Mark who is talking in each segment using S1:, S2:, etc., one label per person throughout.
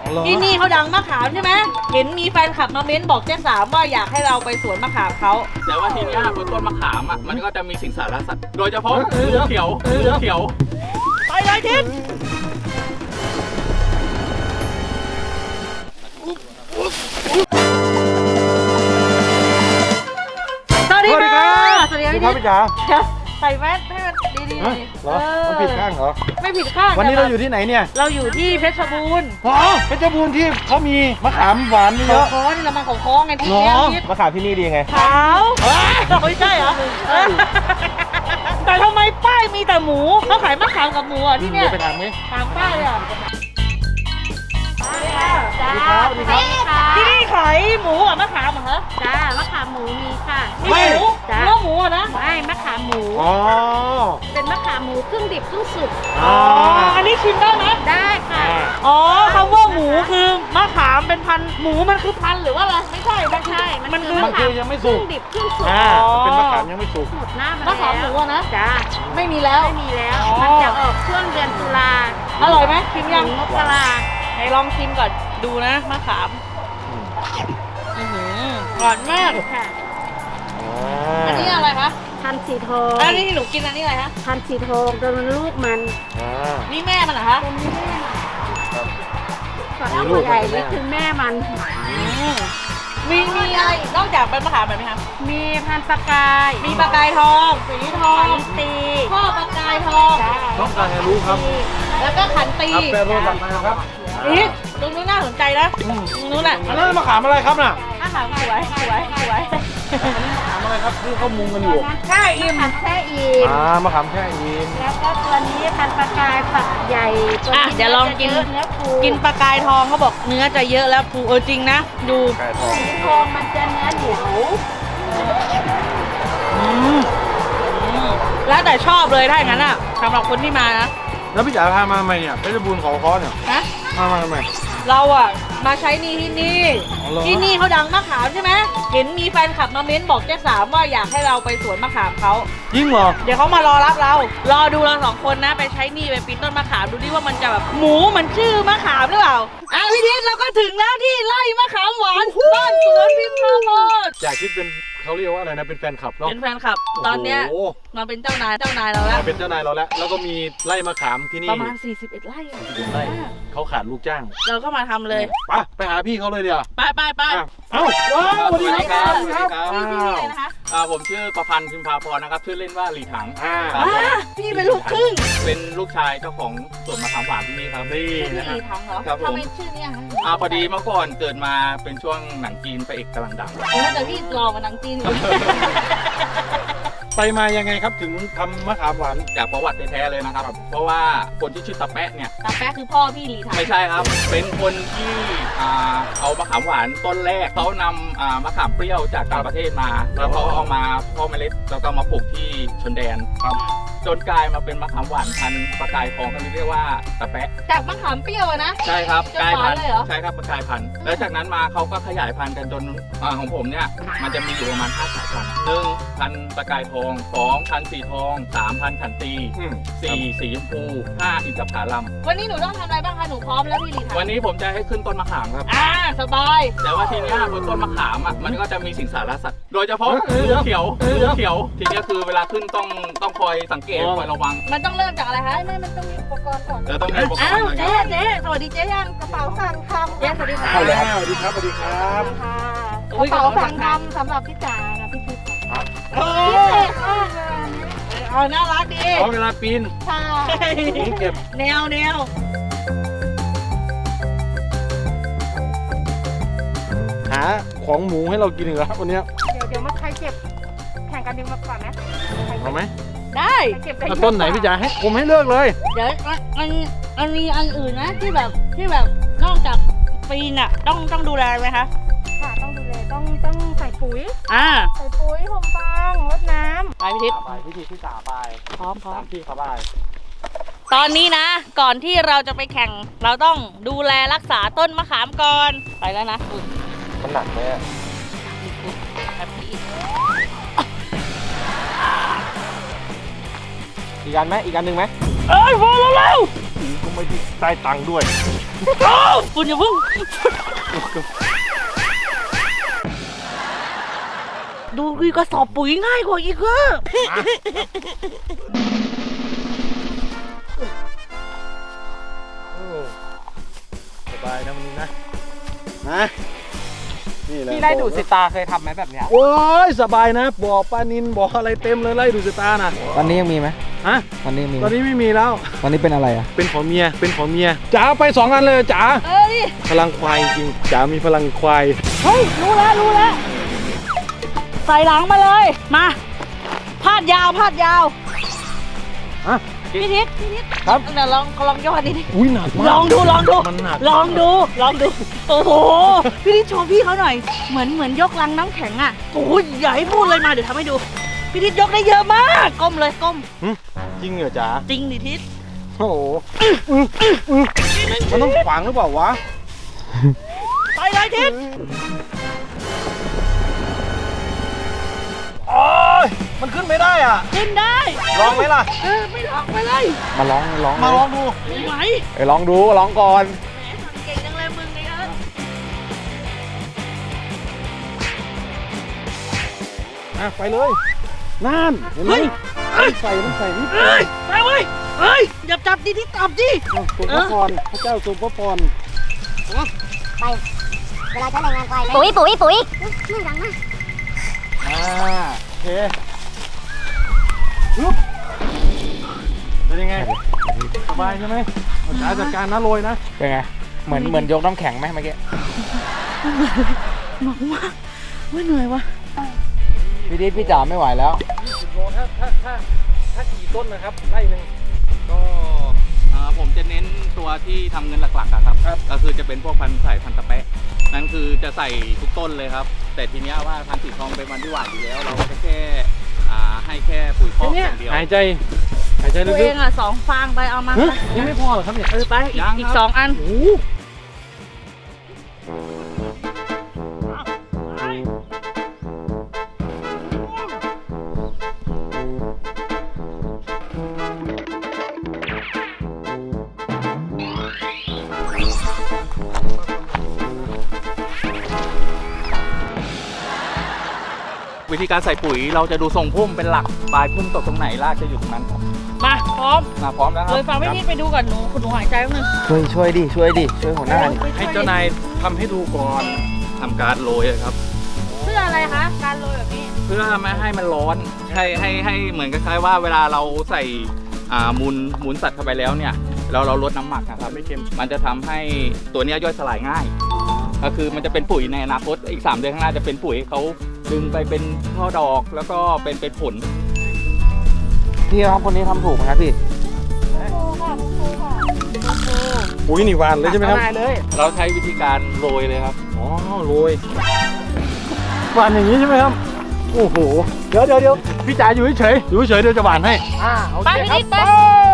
S1: ที่นี่เขาดังมะขามใช่ไหมเห็นมีแฟนคลับมาเม้นบอกเจ๊สามว่าอยากให้เราไปสวนมะขามเขา
S2: แต่ว่าทีนี้บนต้นมะขามมันก็จะมีสิงสารสัตว์โดยเฉพาะงูเขียว
S1: ไปเลยทิศสวัสดีค่ะสวัสดีครับพี่จ๋าใส่แมสให้มันดีๆหน่อย
S3: เหรอมันผิดข้างเหรอ
S1: ไม่ผิดข้าง
S3: วันนี้เราอยู่ที่ไหนเนี่ย
S1: เราอยู่ที่เพชรบูรณ์
S3: เพชรบูรณ์ที่เขามีมะขามหวานเยอะ
S1: เขานี่เรามาของคล้องไงที่นี่
S3: มะขามที่นี่ดีไง
S1: ขาวไม่ใช่เหรอแต่ทำไมป้ายมีแต่หมูเขาขายมะขามกับหมูอ่ะที่เนี่ย
S3: ไปถามไหม
S1: ถามป้ายอ่ะ
S3: จ้า
S1: ที่นี่ขายหมูกับมะขามเหรอ
S4: จ้ามะขามหมูมีค่ะ
S1: ไม่หมูเนื้อหมูนะ
S4: ไม่มะขามหมูเป็นมะขามหมูครึ่งดิบครึ่งสุก
S1: อันนี้ชิมได้ไหม
S4: ได้ค่ะ
S1: คำว่าหมูคือมะขามเป็นพันหมูมันคือพันหรือว่าอะไรไม่ใช่
S4: มันคือ
S3: ยังไม่สุก
S4: ครึ่งดิบครึ่งสุก
S3: เป็นมะขามยังไม่สุก
S4: หมดหน้าม
S1: ะขามหมูนะ
S4: จ้า
S1: ไม่มีแล้ว
S4: มันจะออกช่วงเดือนตุลา
S1: อร่อยไหมชิมยัง
S4: มกรา
S1: ไหนลองชิมก่อนดูนะมะขามหวานมาก
S4: ค่ะ
S1: อันนี้อะไรคะ
S4: พันธุ์สีทอง
S1: อันนี้ที่หนูกินอันนี้อะไรคะ
S4: พันธุ์สีทองตัวมันลูกมัน
S1: นี่แม่มันเหรอคะ
S4: ส่วนตัวใหญ่นี่คือแม่มัน
S1: มีอะไรนอกจากเป็นมะขามแบบไหมคะ
S4: มีพันธุ์ปลากาย
S1: มีปลากายทองสีทอง
S4: ขันตี
S1: พ่อปลากายทอง
S3: ต้องการให้รู้ครับ
S1: แล้วก็ขันตี
S3: แปรรูปมาครับ
S1: นี่ตรงนู้นน่าสนใจนะนู้นน่ะ
S3: อันนั้นมะขามอะไรครับน่ะ
S1: มะขามสวย
S3: อันนี้มะขามอะไรครับที่เขามุงกันอยู่
S4: ใช่อิ่มแช่อิ่ม
S3: มะขามแช่อิ่ม
S4: แล้วก็ตัวนี้พันธุ์ปลากายฝักใหญ่
S1: เดี๋ยวลองกินปลากายทองเขาบอกเนื้อจะเยอะแล้วปูจริงนะดู
S4: สีทองมันจะเนื้อเหนียว
S1: แล้วแต่ชอบเลยถ้าอย่างนั้นอ่ะสำหรับคนที่มานะ
S3: แล้วพี่จ๋าพามาทำไมเนี่ยเพชรบูรณ์เขาค้อเนี่ยพามาทำไม
S1: เราอ่ะมาใช้นี่ที่นี่เขาดังมะขามใช่ไหมเห็นมีแฟนคลับมาเม้นบอกเจ๊สามว่าอยากให้เราไปสวนมะขามเขา
S3: ยิ่งเหรอ
S1: เดี๋ยวเขามารอรับเรารอดูเราสองคนนะไปใช้นี่ไปปีนต้นมะขามดูดิว่ามันจะแบบหมูมันชื่อมะขามหรือเปล่าพี่ทิศเราก็ถึงแล้วที่ไร่มะขามหวานบ้านสวนพิมพ์พาโพด
S3: อยากคิดเป็นเขาเรียกว่าอะไรนะเป็นแฟนคลับเนาะ
S1: เป็นแฟนคลับตอนเนี้ยมาเป็นเจ้านายเราแล้ว
S3: เป็นเจ้านายเราแล้วก็มีไร่มะขามที่นี่
S1: ประมาณ41ไร่
S3: เขาขาดลูกจ้าง
S1: เราก็มาทำเลย
S3: ไปหาพี่เขาเลยเดี๋ยว
S1: ไป
S3: เอ้าสวัสดีครับ
S1: พี่อะไรนะคะ
S2: ผมชื่อประพันธ์พิมพาพรนะครับชื่อเล่นว่าหลีถัง
S1: พี่เป็นลูกครึ่ง
S2: เป็นลูกชายเจ้าของสวนมะขามหวานที่นี่ครับ
S1: นี่นะครับหลีถังเหรอทำไมชื่อนี้
S2: พอดีเมื่อก่อนเกิดมาเป็นช่วงหนังจีนพระเอกกำลังดัง
S1: แต่พี่รอมาหนังจีน
S3: ไปมายังไงครับถึงทำมะขามหวาน
S2: จากประวัติแท้ๆเลยนะครับเพราะว่าคนที่ชื่อตาแปะเนี่ย
S1: ตาแปะคือพ่อพี่หลีถัง
S2: ไม่ใช่ครับเป็นคนที่เอามะขามหวานต้นแรกเขานำมะขามเปรี้ยวจากต่างประเทศมาแล้วเขาเอามาพ่อเมล็ดแล้วก็มาปลูกที่ชนแดนจนกลายมาเป็นมะขามหวานพันธุ์ปลากายทองเขาเรียกว่าตาแปะ
S1: จากมะขามเปรี้ยวนะ
S2: ใช่ครับกลายพันธุ์ใช่ครับกลายพันธุ์แล้วจากนั้นมาเขาก็ขยายพันธุ์กันจนของผมเนี่ยมันจะมีอยู่ประมาณ5 สายพันธุ์1 พันธุ์ปลากายทอง2 พันธุ์สีทอง3 พันธุ์ขันตี4 สีชมพู5 อินทผลัม
S1: วันนี้หนูต้องทำอะไรบ้างคะหนูพร้อมแล้วพี่หลีถัง
S2: วันนี้ผมจะให้ขึ้นต้นมะขามครับ
S1: สบาย
S2: แต่ว่าทีนี้บนต้นมะขามมันก็จะมีสิงสารสัตว์โดยเฉพาะงูเขียวทีนี้คือเวลาขึ้นต้องคอยสังเกตคอยระวัง
S1: มันต้องเริ่มจากอะไรคะไม่มันต้องมีอุปกรณ์ก่อน
S2: แล้วต้องมีอุปกรณ์
S1: เจ๊สวัสดีเจ๊ยังกระเป๋าสั่งทำเจ๊สวัสดีค่ะ
S3: สวัสดีครับกระ
S1: เป๋าสั่งทำสำหรับพี่จ๋านะพี่ทิพย์พิเศษมากเลยน่ารักดี
S3: เวลาปีน
S1: ใช่
S3: เก็บ
S1: แนว
S3: หาของหมูให้เรากินอีกแล้ววันนี้
S4: เดี๋ยวมาใครเก็บแข่งกันดึงมาก่อนไหม
S3: เอาไหม
S1: ได้
S3: ต้นไหนพี่จ๋าให้ผมให้เลือกเลย
S1: เดี๋ยวมันมีอันอื่นนะที่แบบนอกจากปีนต้องดูแลไหมคะ
S4: ค่ะต้องดูแลต้องใส่ปุ๋ยใส่ปุ๋ยห่มฟางรดน้ำ
S1: ไปพี่ทิพย์
S3: พี่จ๋าไป
S1: พร้อม
S3: พี่เขาไป
S1: ตอนนี้นะก่อนที่เราจะไปแข่งเราต้องดูแลรักษาต้นมะขามก่อนไปแล้วนะ
S3: มันหนักไหมอีกอันหนึ่งไหม
S1: พอแล้ว
S3: ก็ไม่ได้ได้ตังค์ด้วย
S1: คุณอย่าเพิ่งดูกระสอบปุ๋ยง่ายกว่าอีกอะ
S3: สบายนะวันนี้นะนะนี่แหละ
S5: พี่ไล่ดูดสิตาเคยทำไหมแบบเนี้ย
S3: โอ้ยสบายนะบ่อปลานินบ่ออะไรเต็มเลยไล่ดูสิตานะ
S5: ตอนนี้ยังมีไหม
S3: ฮะ
S5: ตอนนี้มี
S3: ตอนนี้ไม่มีแล้ว
S5: ตอนนี้เป็นอะไรอ่ะ
S3: เป็นของเมียเป็นของเมียจ๋าไป2 อันเลยจ๋า
S1: ดิ
S3: พลังควายจริงจ๋ามีพลังควาย
S1: เฮ้ยรู้แล้วใส่หลังมาเลยมาพาดยาว
S3: ฮะ
S1: พี่ทิศ
S3: ครับ
S1: เดี๋ยวลองย่อดิ
S3: อุ้ยหนักมาก
S1: ลองดู
S3: มันหนัก
S1: ลองดูโอ้โหพี่ทิศโชว์พี่เขาหน่อยเหมือนยกลังน้ำแข็งอ่ะโอ้ยอย่าให้พูดเลยมาเดี๋ยวทำให้ดูพี่ทิศยกได้เยอะมากก้มเลยก้ม
S3: จริงเหรอจ๋า
S1: จริงดิทิศ
S3: โอ้โหมันต้องขวางหรือเปล่าวะ
S1: ไปเลยทิศ
S3: โอ้ยมันขึ้นไม่ได้อ่ะ
S1: ขึ้นได้
S3: ลองไหมล่ะ
S1: ไม่ลองไปเลย
S5: มาลอง
S3: มาลองดู
S1: ไม่ไหว
S5: ลองดูลองก่อน
S1: แหมสั่งเก่งจังเลยมึงเนี่ย
S3: ไปเลยนั่นเห็นไหมใส่นิด
S1: ไปเว้ยอย่าจับดิทิศจับดิ
S3: ทรงพระพรพระเจ้าทรงพระพร
S6: ไปเวลาใช้แรงงานไปปุ๋ยไม่ดังมาก
S3: โอเคฮึบเป็นยังไงสบายใช่ไหมเอาจ๋าจัดการนะโรยนะ
S5: เป็นไง เหมือนยกน้ำแข็งไหมเมื่อกี้
S1: หนักมากว่าเหนื่อยวะ
S5: พี่ดิ๊ดพี่จ๋าไม่ไหวแล้ว
S3: 20 โลถ้ากี่ต้นนะครับไร่หนึ่ง
S2: ก็ผมจะเน้นตัวที่ทำเงินหลักๆอะครับ ก็คือจะเป็นพวกพันธุ์สายพันธุ์ตะแปะนั่นคือจะใส่ทุกต้นเลยครับ แต่ทีเนี้ยว่าพันธุ์สีทองเป็นพันธุ์ที่หวานอยู่แล้ว เราก็จะแค่ให้แค่ปุ๋ยคอกอย่างเดียว
S3: หายใจลึ
S1: ตัวเอก งอ่ะ2 ฟางไปเอามา
S3: ๆยังไม่พอเหรอครับเนี่ย
S1: ไปอีก2 อัน
S3: โอ้โห
S2: วิธีการใส่ปุ๋ยเราจะดูทรงพุ่มเป็นหลักปลายพุ่มตกตรงไหนรากจะอยู่ตรงนั้นครับ
S1: มาพร้อม
S2: พร้อมแล้วครั
S1: เลยฟังไม่ทิศไปดูก่อนหนูหายใจแป๊บนึง
S5: ช่วยดิช่วยหัวหน้าดิ
S3: ให้เจ้านายทำให้ดูก่อน
S2: ทำการโรยอะครับ
S1: เพื่ออะไรคะการโรยแบบนี้
S2: เพื่อไม่ให้มันร้อนให้เหมือนคล้ายๆว่าเวลาเราใส่มูลสัตว์เข้าไปแล้วเนี่ยเราลดน้ำหมักนะครับไม่เค็มมันจะทำให้ตัวเนี้ยย่อยสลายง่าย ก็คือมันจะเป็นปุ๋ยในอนาคตอีก3 เดือนข้างหน้าจะเป็นปุ๋ยเขาดึงไปเป็นช่อดอกแล้วก็เป็นผล
S5: พี่ครับคนนี้ทำถูกไหมครับพี่
S3: ปุ๋ยนี่หวานเลยใช่ไหมครับ
S5: เอาเลย
S2: เราใช้วิธีการโรยเลยครับ
S3: อ๋อโรยหวานอย่างนี้ใช่ไหมครับโอ้โหเดี๋ยวพี่จ๋าอยู่เฉยๆเดี๋ยวจะหวานให้
S5: โอ
S1: ไป
S5: เค
S1: พี่
S5: ครั
S1: ทิ
S5: บ
S1: ศไป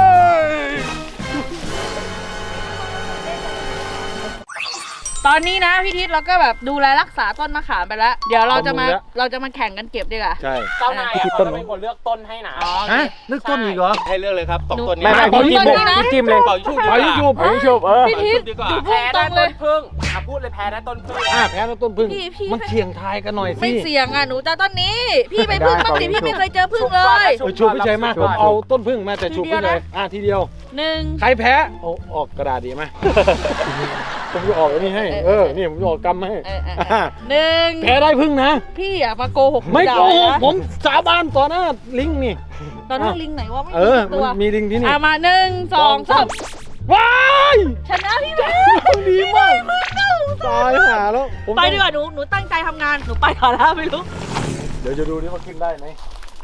S1: ตอนนี้นะพี่ทิศเราก็แบบดูแลรักษาต้นมะขามไปแล้ว เดี๋ยวเราจะมาแข่งกันเก็บดีกว่า
S3: ใช่
S5: เจ้านายเขาจะเป็นคนเลือกต้นให้นะ
S3: ฮะเลือกต้นอีกเหรอ
S2: ให้เลือกเลยครับ2 ต้นนี้
S5: ไม่
S1: ผม
S5: พี่
S1: ต้นนี้นะ
S5: จิ้มเลย
S2: เป่าชุบ
S3: ไปยูบ
S1: พี่ทิศ
S2: ดีกว่า
S1: ดู
S5: แพ้
S1: พุ่งตร
S5: ได้
S1: งเล
S5: ต้
S1: ย
S5: นพึ่งพูดเลยแพ้ได้ต้นพึ่ง
S3: แพ้แล้วต้นพึ่ง
S1: พี่
S3: มันเสี่ยงทายกันหน่อย
S1: ไม่
S3: สิ
S1: เสี่ยงอ่ะหนูจะต้นนี้ พี่ไปพึ่งบ้างดิพี่ไม่เคยเจอพึ่งเลย
S3: ชุบไม่ใช่มากผมเอาต้นพึ่งมาแต่ชุบไม่ใช่ทีเดียว
S1: 1
S3: ใครแพ้เอาออกกระดาษดีไหม ผมจะออกอันนี้ให้นี่ผมจะออกกำให้
S1: 1
S3: แพ้ได้พึ่งนะ
S1: พี่อย่ามาโกหก
S3: ไม่โกหก
S1: นะ
S3: ผมสาบานต่อหน้าลิงนี่
S1: ตอนนั้นลิงไหนวะไม่
S3: เอ
S1: มี
S3: อ
S1: ตัว
S3: มันมีลิงที่นี่
S1: มา1 2 3
S3: ว้าย
S1: ชนะพี่แม่
S3: ดีมากตายหาแล้วผม
S1: ไปดีกว่าหนูตั้งใจทำงานหนูไปก่อนแล้วไม่รู้
S3: เดี๋ยวจะดูนี่ว่าขึ้นได้ไหม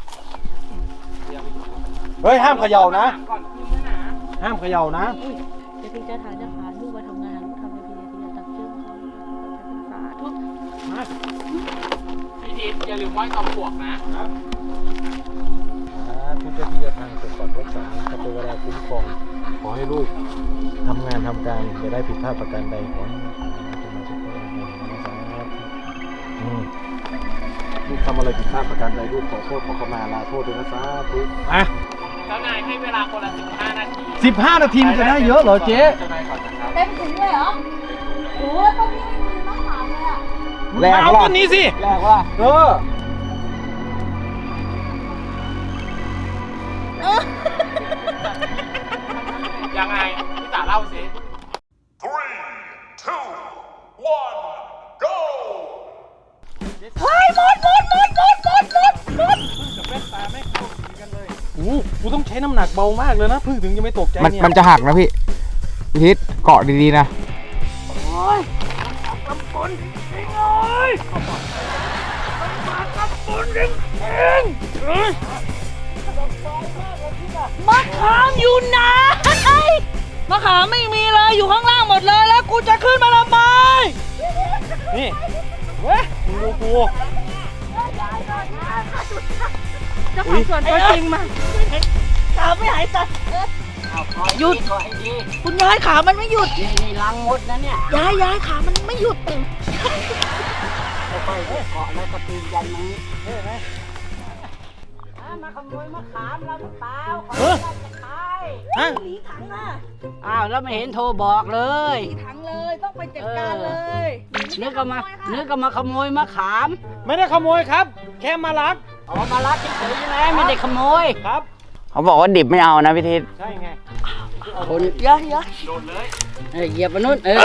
S3: เฮ้ยห้ามเขย่านะ ห้ามเขย่านะ
S1: เดี๋ยวพี่จะถ่ายจะพาลูกไปทำงานลูกทำอะไรพี่จะตักชื่อเขาสาธุ
S5: พี่ดิ๊ดอย่าลืมไหว้ตอมปลวกนะ
S3: ทุกเจ้าที่เจ้าทางปกปักรักษาพระเทวดาคุ้มครองขอให้ลูกทำงานทำการจะได้ผิดพลาดประการใดขอให้จะมาสุขภาพแข็งแรงนะครับลูกทำอะไรผิดพลาดประการใดลูกขอโทษขอขมาลาโทษด้วยนะสาธุ
S5: เจ้านายให้เวลาคนละ15 นาที
S3: 15 นาทีมันจะได้เยอะเหรอเจ๊
S2: เจ้านายก่อนนะครับ
S1: เต็มถุงเลยเหรอโอ้ยต้นนี้ไม่มีมะขามเลยอ่ะ
S3: แรก
S5: เอา
S3: ว่า
S5: ต้นนี้สิ
S3: แรกว่าเออ
S5: ยังไงพี่จ๋าเล่าสิ
S1: เฮ้ยหมด
S3: กูต้องใช้น้ำหนักเบามากเลยนะพึ่งถึงจะไม่ตกใจเนี่ย
S5: มันจะหักนะพี่พี่ทิศเกาะดีๆนะ
S1: มะขามอยู่ไหนมะขามไม่มีเลยอยู่ข้างล่างหมดเลยแล้วกูจะขึ้นมาทำไม
S3: นี่เว้ยมึงดูกู
S4: เจ้าของสวนตัวจริงมา
S1: ขาไม่หายใจหยุดคุณยายขามันไม่หยุดนี่ลังมดนะเนี่ยยายขามันไม่หยุดค่อยๆเกาะแล้วก็ปีนยันนี้มาขโมยมะขามเราหรือเปล่าเขาจะขาย
S3: ฮะ
S1: หนีถังอ่ะ
S7: อ้าวแล้วไม่เห็นโทรบอกเลย
S1: หนีถังเลยต้องไปจัดการเลย
S7: นึกก็มาขโมยมะขาม
S3: ไม่ได้ขโมยครับ แค่มารัก
S7: ออกมารับเฉยๆใช่ไหมไม่ได้ขโมย
S3: ครับ
S5: เขาบอกว่าดิบไม่เอานะพี่ทิศ
S3: ใช่ไง
S7: คน
S1: ยาย
S7: เหยียบไปนู่นเออ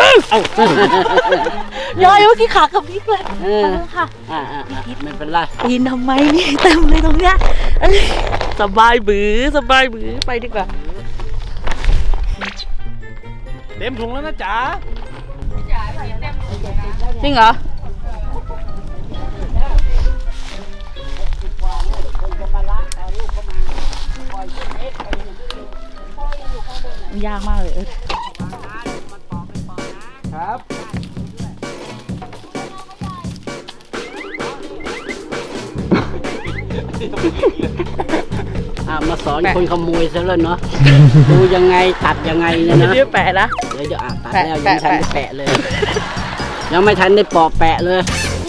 S1: ยายเมื่อกี้ขากับพริกเลย
S7: เออ
S1: ค่ะ
S7: ไม่เป็นไร
S1: ปีนทำไมนี่เต็มเลยตรงเนี้ยเอ้ยสบายบือไปดีกว่า
S3: เต็มถุงแล้วนะจ๋า
S1: จริงเหรอมันยากมากเลยเออ
S3: ครับ
S7: มาสอนคนขโมยซะแล้วเนาะ ดูยังไงตัดยังไงเนี่ยนะ
S1: เดี๋ยวแปะนะ
S7: เดี๋ยวตัดแล้วยัง
S1: แปะ
S7: ไม่ทันได้แปะเลย ยังไม่ทันได้ปอกแปะเลย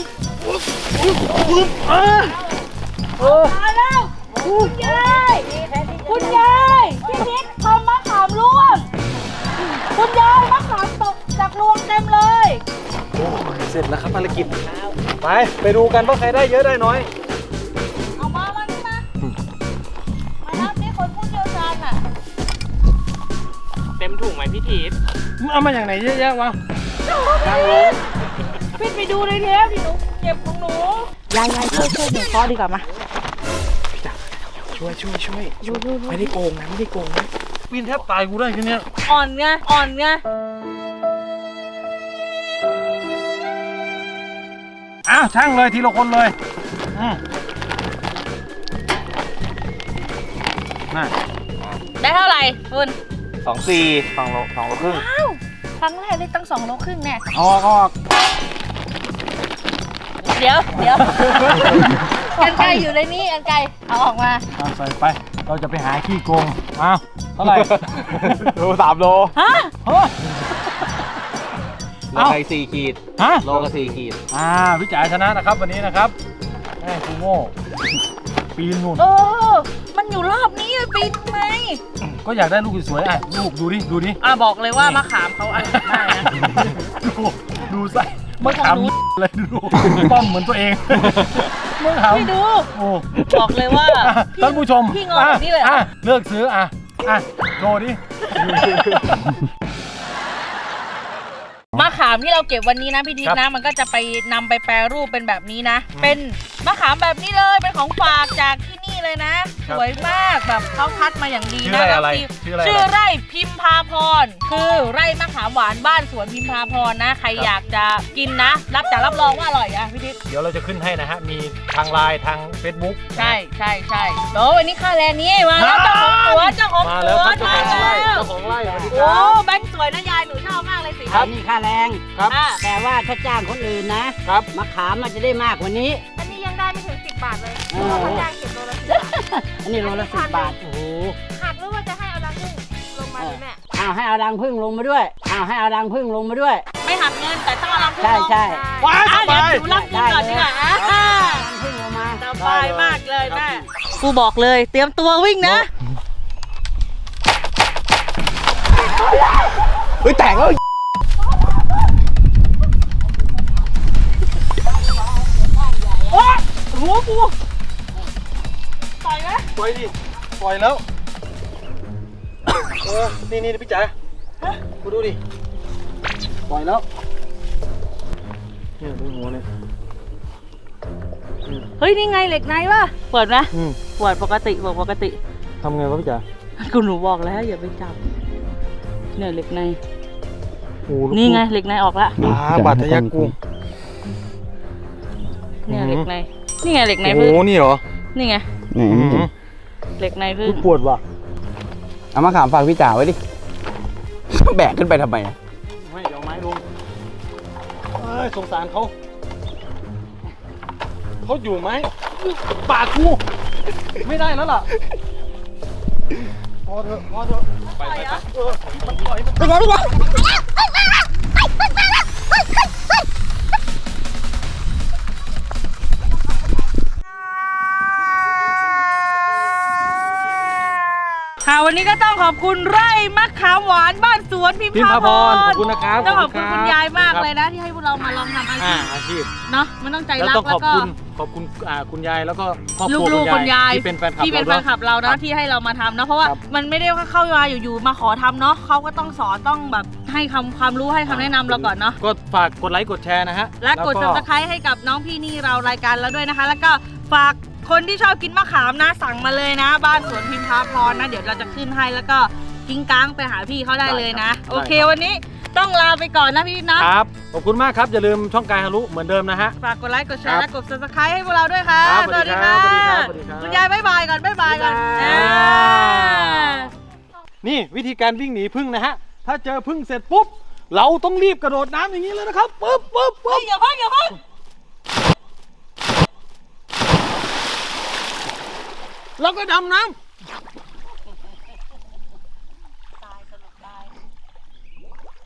S1: มาแล้วคุณยายพี่นิดทำมะขามร่วงคุณยายมะขามตกจากรวงเต็มเลย
S3: โอ้ยเสร็จแล้วครับภารกิจไปดูกันว่าใครได้เยอะได้น้อย
S1: เอามานี่มารับนี่คนผู้เชี่ยวชาญน่ะ
S5: เต็มถุงไหมพี่ทิศ
S3: มึงเอามาอย่างไหนเยอะแยะวะ
S1: พี่ไปดูเลยเทปดิหนูเก็บของหนูยายช่วยหนูเคาะดีกว่ามา
S5: ช่วยไม่ได้โกงนะ
S3: ปีนแทบตายกูได้แค่เนี้ย
S1: อ่อนไง
S3: อ้าวช่างเลยทีละคนเลยน่ะ
S1: ได้เท่าไหร่คุณ
S5: 2 โลครึ่ง
S1: ว้าวครั้งแรกได้ตั้ง2 โลครึ่งแน่
S3: ออก
S1: เดี๋ยวกันไกรอยู่ในนี้กันไกรเอาออกมา
S3: เอาใส่ไป เราจะไปหาขี้โกงอ้าวเท่าไหร่
S5: ดู3 โล
S1: ฮะ
S5: โลไก่4 ขีด
S3: ฮะ
S5: โลก็4 ขีด
S3: พี่จ๋าชนะนะครับวันนี้นะครับแม่กูโง่ปีนนู่น
S1: มันอยู่รอบนี้ปีนทำไม
S3: ก็อยากได้ลูกสวยๆอ่ะลูกดูดิ
S1: บอกเลยว่ามะขามเขาอันนี้ได้นะ
S3: ดูใส่มะขามเลยดูป้อมเหมือนตัวเองมะขาม
S1: พี่ดู
S3: โอ้
S1: บอกเลยว่า
S3: ท่านผู้ชม
S1: พี่งอแบบนี้เลยเหรอ
S3: เลือกซื้อโชว์ดิ
S1: มะขามที่เราเก็บวันนี้นะพี่ทิพย์นะมันก็จะไปนำไปแปรรูปเป็นแบบนี้นะ เป็นมะขามแบบนี้เลยเป็นของฝากจากที่นี่เลยนะ สวยมากแบบเขาคัดมาอย่างดีนะชื่อไร่พิมพาพรคือไร่มะขามหวานบ้านสวนพิมพาพรนะใครอยากจะกินนะรับรองว่าอร่อยอะพี่ทิพย์
S3: เดี๋ยวเราจะขึ้นให้นะฮะมีทางไลน์ทาง Facebook
S1: ใช่โอ้วันนี้ค่าแรงนี้มาแล้วเจ้าของสวน
S3: มาแล้วครับ
S1: มาแล้ว
S3: เจ้าของไร่สวัสดีค
S1: โอ้
S3: รับ
S1: แบงค์สวยนะยายหนูชอบมากเลยสิ
S7: อันนี้ค่าแรง
S3: ครับ
S7: แต่ว่าถ้าจ้างคนอื่นนะครับ มะขามมันจะได้มากกว่านี้
S4: อันนี้ยังได้ไม่ถึง10 บาทเลย
S7: เออ
S4: เพราะว่าจ้างเก็บโลละ10 บาท
S7: อันนี้โลละ10 บาท โอ้โห
S4: หักหรือว่าจะให้เอาดังขึ้นลงมาดิแม่
S7: เอาให้เอารังพึ่งลงมาด้วยให้เอารังพึ่งลงมาด้วย
S1: ไม่หักเงินแต่ต้องเอาลำพึ่ง
S7: ใช่
S1: ลง
S7: ใช่
S3: ว้ายส
S1: เดี๋ยว
S3: บาย
S1: หนูรับเงินก่อนดีกว่า
S7: รังพึ่งลงมา
S1: สบายมากเลยแม่กูบอกเลยเตรียมตัววิ่งนะ
S5: เฮ้ยแตกแล้ว
S1: ปล่อยไหม
S3: ปล่อยดิปล่อยแล้วนี่พี่จ๋ากูดูดิปล่อยแล้วเนี่ยดูหัวเนี่ย
S1: เฮ้ยนี่ไงเหล็กในวะเปิดไหม เปิดปกติบอกปกติ
S3: ทำไงวะพี่จ๋า
S1: กูหนูบอกแล้วอย่าไปจับเนี่ยเหล็กใน
S3: โอ้
S1: นี่ไงเหล็กในออกละ
S3: บาดทะยักกู
S1: เนี่ยเหล็กในนี่ไงเหล็กใน
S3: โอ้
S1: พึ่ง
S3: นี่เหรอ
S1: นี่ไง
S5: ไหน
S1: เหล็กในพึ่ง
S3: ปวดว่ะ
S5: เอามาขามฝากพี่จ๋าไว้ดิ แบกขึ้นไปทำไมอะ
S3: ไม่เดี๋ยวไม้ลงสงสารเขาอยู่ไหมปากกูไม่ได้แล้วล่ะพอเถอะไปมันปล่อย
S6: ไปเดี๋ยว
S1: ค่ะวันนี้ก็ต้องขอบคุณไร่มะขามหวานบ้านสวนพิม
S3: พิม
S1: พา
S3: พา
S1: พ
S3: พ
S1: ร
S3: รขอบคุณนะครับ
S1: ต้องขอบคุณ
S3: รั
S1: คุณยายมากเลยนะที่ให้พวกเรามาลองทำอาชีพ
S3: อาชีพ
S1: เนาะมันต้องใจ
S3: แล้ว
S1: รัก
S3: ต้อง
S1: แล้วก็
S3: ขอบคุณคุณยายแล้วก็ครอบครัว
S1: ลูกๆคุณยาย
S3: ที่เป็นแฟนคลับ
S1: ที่เป็นแฟนคลับเรานะที่ให้เรามาทำนะเพราะว่า
S3: ครับ
S1: มันไม่ได้ว่าเข้ามาอยู่ๆมาขอทำเนาะเขาก็ต้องสอนต้องแบบให้ความรู้ให้คำแนะนำเราก่อนเนาะ
S3: ก็ฝากกดไลค์กดแชร์นะฮะ
S1: และกด subscribe ให้กับน้องพี่นี่เรารายการแล้วด้วยนะคะ แล้วก็ฝากคนที่ชอบกินมะขามนะสั่งมาเลยนะ บ้านสวนพิมพาพรนะเดี๋ยวเราจะขึ้นให้แล้วก็กิ้งก้างไปหาพี่เขาได้เลยนะ โอเควันนี้ต้องลาไปก่อนนะพี่นะครับ
S3: ขอบคุณมากครับอย่าลืมช่องกายฮารุเหมือนเดิมนะฮะ
S1: ฝากกดไลค์กดแชร์
S3: ครั
S1: และ
S3: บ
S1: กด subscribe ให้พวกเราด้วยค่ะ
S3: ครับ
S1: สวัสดีค่ะ
S3: สวัสดีครับสวัสดีครับ
S1: คุณยายบ๊ายบายก่อนบ๊ายบายก่อน
S3: บ๊ายบาย
S1: อ่า
S3: นี่วิธีการวิ่งหนีผึ้งนะฮะถ้าเจอผึ้งเสร็จปุ๊บเราต้องรีบกระโดดน้ำอย่างนี้เลยนะครับปึ๊บ
S1: เฮ้ยอย่าพักอย่าพัก
S3: แล้วก็ดำน้ำ